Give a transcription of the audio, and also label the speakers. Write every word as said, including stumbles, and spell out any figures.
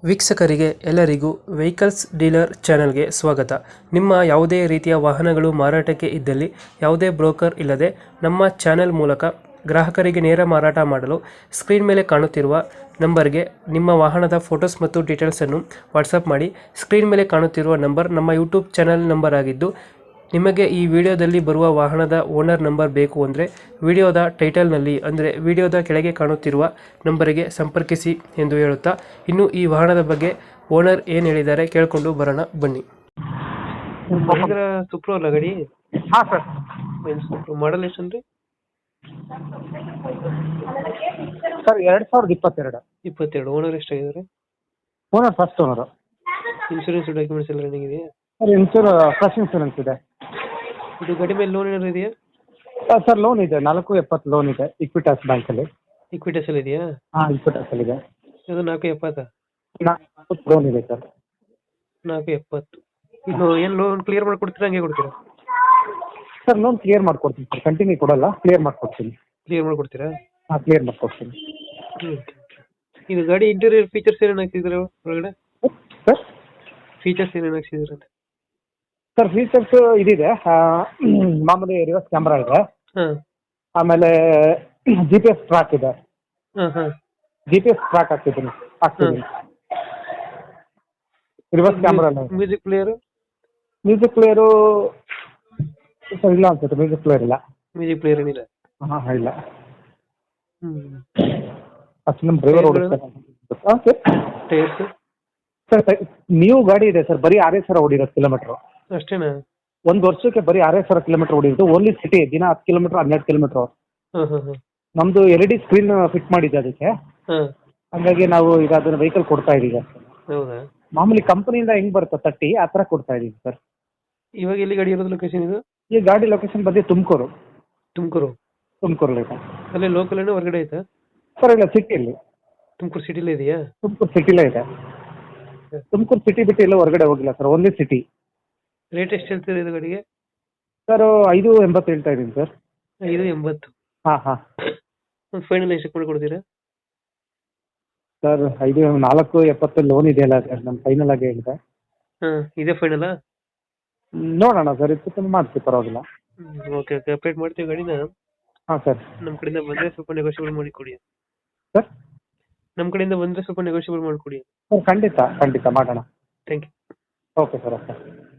Speaker 1: ವೀಕ್ಷಕರಿಗೆ ಎಲ್ಲರಿಗೂ vehicles dealer ಚಾನೆಲ್ಗೆ ಸ್ವಾಗತ. ನಿಮ್ಮ ಯಾವುದೇ ರೀತಿಯ ವಾಹನಗಳು ಮಾರಾಟಕ್ಕೆ ಇದ್ದಲ್ಲಿ ಯಾವುದೇ ಬ್ರೋಕರ್ ಇಲ್ಲದೆ ನಮ್ಮ ಚಾನೆಲ್ ಮೂಲಕ ಗ್ರಾಹಕರಿಗೆ ನೇರ ಮಾರಾಟ ಮಾಡಲು ಸ್ಕ್ರೀನ್ ಮೇಲೆ ಕಾಣುತ್ತಿರುವ ನಂಬರ್ಗೆ ನಿಮ್ಮ ವಾಹನದ ಫೋಟೋಸ್ ಮತ್ತು ಡೀಟೇಲ್ಸನ್ನು ವಾಟ್ಸಪ್ ಮಾಡಿ. ಸ್ಕ್ರೀನ್ ಮೇಲೆ ಕಾಣುತ್ತಿರುವ ನಂಬರ್ ನಮ್ಮ ಯೂಟ್ಯೂಬ್ ಚಾನೆಲ್ ನಂಬರ್ ಆಗಿದ್ದು, ನಿಮಗೆ ಈ ವಿಡಿಯೋದಲ್ಲಿ ಬರುವ ವಾಹನದ ಓನರ್ ನಂಬರ್ ಬೇಕು ಅಂದರೆ ವಿಡಿಯೋದ ಟೈಟಲ್ನಲ್ಲಿ ಅಂದರೆ ವಿಡಿಯೋದ ಕೆಳಗೆ ಕಾಣುತ್ತಿರುವ ನಂಬರಿಗೆ ಸಂಪರ್ಕಿಸಿ ಎಂದು ಹೇಳುತ್ತಾ, ಇನ್ನು ಈ ವಾಹನದ ಬಗ್ಗೆ ಓನರ್ ಏನು ಹೇಳಿದ್ದಾರೆ ಕೇಳಿಕೊಂಡು ಬರೋಣ ಬನ್ನಿ. ಮಹೇಂದ್ರ ಸುಪ್ರೋ ಅಲ್ಲ ಗಾಡಿ?
Speaker 2: ಹಾಂ ಸರ್.
Speaker 1: ಸುಪ್ರೋ ಮಾಡಲ್ ಎಷ್ಟಂದ್ರೆ?
Speaker 2: ಸರ್ ಎರಡು ಸಾವಿರದ ಇಪ್ಪತ್ತೆರಡು.
Speaker 1: ಇಪ್ಪತ್ತೆರಡು. ಓನರ್ ಎಷ್ಟಾಗಿದ್ದಾರೆ?
Speaker 2: Owner first owner.
Speaker 1: Insurance documents ಎಲ್ಲ ರನ್ನಿಂಗ್ ಇದೆಯಾ?
Speaker 2: ಸರ್ ಇನ್ಶೂರ್ ಫ್ರೆಶ್ ಇನ್ಶೂರೆನ್ಸ್ ಇದೆ.
Speaker 1: ಇದು ಗಾಡಿ ಮೇಲೆ ಲೋನ್ ಏನಾದ್ರು ಇದೆಯಾ?
Speaker 2: ಸರ್ ಲೋನ್ ಇದೆ, ನಾಲ್ಕು ಎಪ್ಪತ್ತು ಲೋನ್ ಇದೆ ಇಕ್ವಿಟಾಸ್ ಬ್ಯಾಂಕಲ್ಲಿ.
Speaker 1: ಇಕ್ವಿಟೀಸ್ ಎಲ್ಲ ಇದೆಯಾ?
Speaker 2: ಹಾಂ ಇಕ್ವಿಟಾಸಲ್ಲಿ ಇದೆ.
Speaker 1: ಇದು ನಾಲ್ಕು ಎಪ್ಪತ್ತಾ?
Speaker 2: ನಾಲ್ಕು ಲೋನ್ ಇದೆ ಸರ್.
Speaker 1: ನಾಲ್ಕು ಎಪ್ಪತ್ತು. ಇದು ಏನು ಲೋನ್ ಕ್ಲಿಯರ್ ಮಾಡಿಕೊಡ್ತೀರಾ ಹಂಗೆ ಕೊಡ್ತೀರಾ?
Speaker 2: ಸರ್ ಲೋನ್ ಕ್ಲಿಯರ್ ಮಾಡ್ಕೊಡ್ತೀನಿ ಸರ್, ಕಂಟಿನ್ಯೂ ಕೊಡಲ್ಲ, ಕ್ಲಿಯರ್ ಮಾಡ್ಕೊಡ್ತೀನಿ.
Speaker 1: ಕ್ಲಿಯರ್ ಮಾಡಿಕೊಡ್ತೀರಾ?
Speaker 2: ಹಾಂ ಕ್ಲಿಯರ್ ಮಾಡ್ಕೊಡ್ತೀನಿ.
Speaker 1: ಹ್ಞೂ. ಇದು ಗಾಡಿ ಇಂಟೀರಿಯರ್ ಫೀಚರ್ಸ್ ಏನೇನು ಹಾಕ್ಸಿದ್ರೆ ಒಳಗಡೆ?
Speaker 2: ಸರ್
Speaker 1: ಫೀಚರ್ಸ್ ಏನೇನು ಹಾಕ್ಸಿದ್ರಂತೆ?
Speaker 2: ಸರ್ ಫೀಚರ್ಸ್ ಇದಿದೆ, ಮಾಮೂಲಿ ರಿವರ್ಸ್ ಕ್ಯಾಮ್ರಾ ಇದೆ,
Speaker 1: ಹಾಂ.
Speaker 2: ಆಮೇಲೆ ಜಿ ಪಿ ಎಸ್ ಟ್ರ್ಯಾಕ್ ಇದೆ.
Speaker 1: ಹಾಂ ಹಾಂ.
Speaker 2: ಜಿ ಪಿ ಎಸ್ ಟ್ರ್ಯಾಕ್ ಹಾಕ್ತಿದ್ದೀನಿ ಹಾಕ್ತಿದ್ದೀನಿ ರಿವರ್ಸ್ ಕ್ಯಾಮ್ರಾ ಎಲ್ಲ.
Speaker 1: Music player?
Speaker 2: Music player sir ಇಲ್ಲ ಅನ್ಸುತ್ತೆ, ಮ್ಯೂಸಿಕ್ ಪ್ಲೇಯರ್ ಇಲ್ಲ.
Speaker 1: ಮ್ಯೂಸಿಕ್ ಪ್ಲೇಯರ್ ಏನಿಲ್ಲ?
Speaker 2: ಹಾಂ ಹಾಂ ಇಲ್ಲ.
Speaker 1: ಹ್ಞೂ.
Speaker 2: ಅಷ್ಟು ನಮ್ಮ ಡ್ರೈವರ್ ಓಡಿಸ್ತಾರೆ. ಹಾಂ ಸರ್.
Speaker 1: ಟೈರ್ಸ್?
Speaker 2: ಸರ್ ನ್ಯೂ ಗಾಡಿ ಇದೆ ಸರ್, ಬರೀ ಆರೇ ಸಾವಿರ ಓಡಿರೋದು ಕಿಲೋಮೀಟ್ರು.
Speaker 1: ಅಷ್ಟೇನಾ?
Speaker 2: ಒಂದು ವರ್ಷಕ್ಕೆ ಬರೀ ಆರೇ ಸಾವಿರ ಕಿಲೋಮೀಟರ್ ಓಡಿರೋದು. ಓನ್ಲಿ ಸಿಟಿ, ದಿನ ಹತ್ತು ಕಿಲೋಮೀಟ್ರ್ ಹನ್ನೆರಡು ಕಿಲೋಮೀಟ್ರು.
Speaker 1: ಹಾಂ ಹಾಂ ಹಾಂ.
Speaker 2: ನಮ್ಮದು L E D screen fit ಮಾಡಿದ್ದೆ ಅದಕ್ಕೆ,
Speaker 1: ಹಾಂ.
Speaker 2: ಹಾಗಾಗಿ ನಾವು ಈಗ ಅದನ್ನು ವೆಹಿಕಲ್ ಕೊಡ್ತಾ ಇದ್ದೀವಿ.
Speaker 1: ಹೌದಾ? ಮಾಮೂಲಿ
Speaker 2: ಮಾಮೂಲಿ ಕಂಪನಿಯಿಂದ ಹೆಂಗೆ ಬರುತ್ತೆ ತರ್ಟಿ, ಆ ಥರ ಕೊಡ್ತಾ ಇದ್ದೀವಿ ಸರ್.
Speaker 1: ಇವಾಗ ಎಲ್ಲಿ ಗಾಡಿ ಇರೋದು ಲೊಕೇಶನ್ ಇದು?
Speaker 2: ಈ ಗಾಡಿ ಲೊಕೇಶನ್ ಬಂದು ತುಮಕೂರು.
Speaker 1: ತುಮಕೂರು?
Speaker 2: ತುಮಕೂರಲ್ಲಿ ಇದೆ
Speaker 1: ಅಲ್ಲೇ ಲೋಕಲ್ ಏನೋ ಹೊರಗಡೆ ಆಯ್ತಾ?
Speaker 2: ಸರ್ ಇಲ್ಲ, ಸಿಟಿಯಲ್ಲಿ.
Speaker 1: ತುಮಕೂರು ಸಿಟಿಲೇ ಇದೆಯಾ?
Speaker 2: ತುಮಕೂರು ಸಿಟಿಲೇ ಇದೆ. ತುಮಕೂರು ಸಿಟಿ ಬಿಟ್ಟು ಎಲ್ಲ ಹೊರಗಡೆ ಹೋಗಿಲ್ಲ ಸರ್, ಓನ್ಲಿ ಸಿಟಿ.
Speaker 1: ರೇಟ್ ಎಷ್ಟು ಹೇಳ್ತೀರಾ ಇದು ಗಾಡಿಗೆ?
Speaker 2: ಸರ್ ಐದು ಎಂಬತ್ತು ಹೇಳ್ತಾ ಇದ್ದೀನಿ ಸರ್.
Speaker 1: ಐದು ಎಂಬತ್ತು?
Speaker 2: ಹಾಂ ಹಾಂ.
Speaker 1: ಒಂದು ಫೈನಲ್ ಎಷ್ಟು ಮಾಡಿ ಕೊಡ್ತೀರಾ?
Speaker 2: ಸರ್ ಐದು ನಾಲ್ಕು ಎಪ್ಪತ್ತು ಲೋನ್ ಇದೆಯಲ್ಲ ಸರ್, ನಾನು ಫೈನಲ್ ಆಗಿ ಹೇಳಿದೆ.
Speaker 1: ಹಾಂ, ಇದೇ ಫೈನಲಾ?
Speaker 2: ನೋಡೋಣ ಸರ್, ಇತ್ತು ಮಾಡ್ತೀವಿ, ಪರವಾಗಿಲ್ಲ.
Speaker 1: ಓಕೆ ಓಕೆ, ಅಪ್ಡೇಟ್ ಮಾಡ್ತೀವಿ ಗಾಡಿನ.
Speaker 2: ಹಾಂ ಸರ್.
Speaker 1: ನಮ್ಮ ಕಡೆಯಿಂದ ಬಂದರೆ ಸ್ವಲ್ಪ ನೆಗೋಷಿಯಬಲ್ ಮಾಡಿ ಕೊಡಿ
Speaker 2: ಸರ್.
Speaker 1: ನಮ್ಮ ಕಡೆಯಿಂದ ಬಂದರೆ ಸ್ವಲ್ಪ ನೆಗೋಷಿಯಬಲ್ ಮಾಡಿಕೊಡಿ.
Speaker 2: ಸರ್ ಖಂಡಿತ ಖಂಡಿತ ಮಾಡೋಣ.
Speaker 1: Thank you.
Speaker 2: Okay sir, okay.